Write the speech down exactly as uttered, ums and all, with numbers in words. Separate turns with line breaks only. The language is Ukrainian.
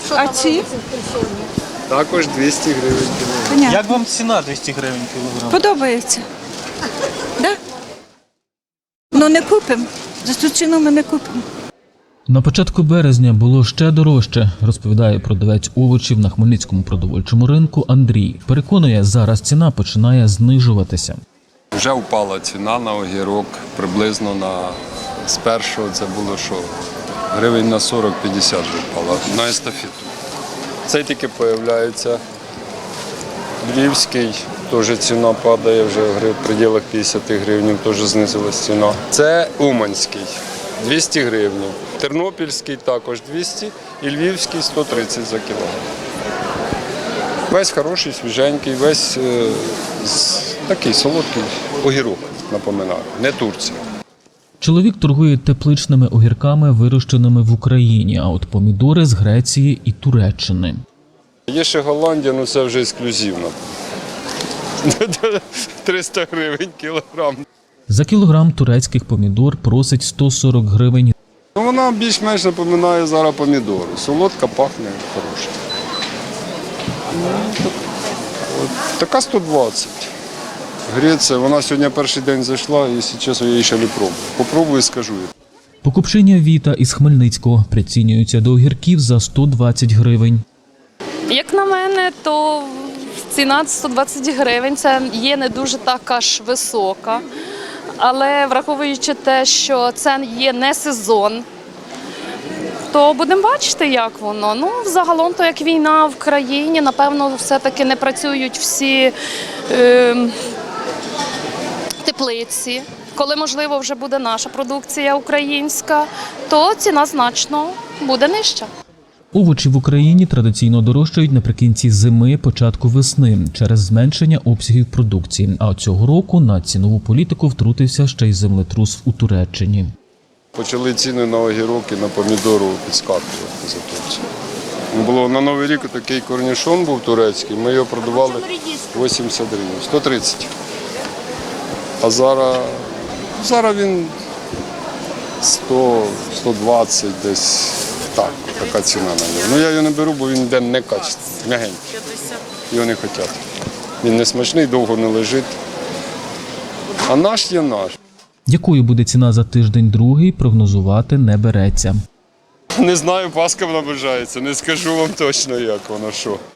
А ці?
Також двісті гривень кілограм.
Як вам ціна двісті гривень кілограм?
Подобається. Да? Ну не купимо. За цю ціну ми не купимо.
На початку березня було ще дорожче, розповідає продавець овочів на Хмельницькому продовольчому ринку Андрій. Переконує, зараз ціна починає знижуватися.
Вже впала ціна на огірок, приблизно на з першого це було що? Гривень на сорок-п'ятдесят вже впала на естафету. Цей тільки з'являється. Львівський, теж ціна падає, вже в пределах п'ятдесят гривень, теж знизилась ціна. Це Уманський, двісті гривень. Тернопільський також двісті і Львівський сто тридцять за кілограм. Весь хороший, свіженький, весь е, з, такий солодкий огірок, напоминаю, не Турція.
Чоловік торгує тепличними огірками, вирощеними в Україні, а от помідори з Греції і Туреччини.
Є ще Голландія, але це вже ексклюзивно. триста гривень кілограм.
За кілограм турецьких помідор просить сто сорок гривень.
Ну, вона більш-менш напоминає зараз помідори. Солодка, пахне, хороша. От, така сто двадцять. Греція, вона сьогодні перший день зайшла, якщо чесно, я її ще не пробую. Попробую і скажу.
Покупчиня Віта із Хмельницького прицінюється до огірків за сто двадцять гривень.
Як на мене, то ціна сто двадцять гривень, це є не дуже така ж висока. Але враховуючи те, що це є не сезон, то будемо бачити, як воно. Ну, загалом, то як війна в країні, напевно, все-таки не працюють всі е, теплиці. Коли, можливо, вже буде наша продукція українська, то ціна значно буде нижча.
Овочі в Україні традиційно дорожчають наприкінці зими, початку весни через зменшення обсягів продукції. А цього року на цінову політику втрутився ще й землетрус у Туреччині.
Почали ціни на огірок і на помідору підскакувати за Турцію. Було на Новий рік такий корнішон був турецький, ми його продавали вісімдесят гривень, сто тридцять. А зараз, зараз він сто - сто двадцять десь. Так, така ціна на нього. Ну я його не беру, бо він йде некачественний, м'ягенький. Його не хочуть. Він не смачний, довго не лежить. А наш є наш.
Якою буде ціна за тиждень-другий, прогнозувати не береться.
Не знаю, Пасха наближається, не скажу вам точно, як воно що.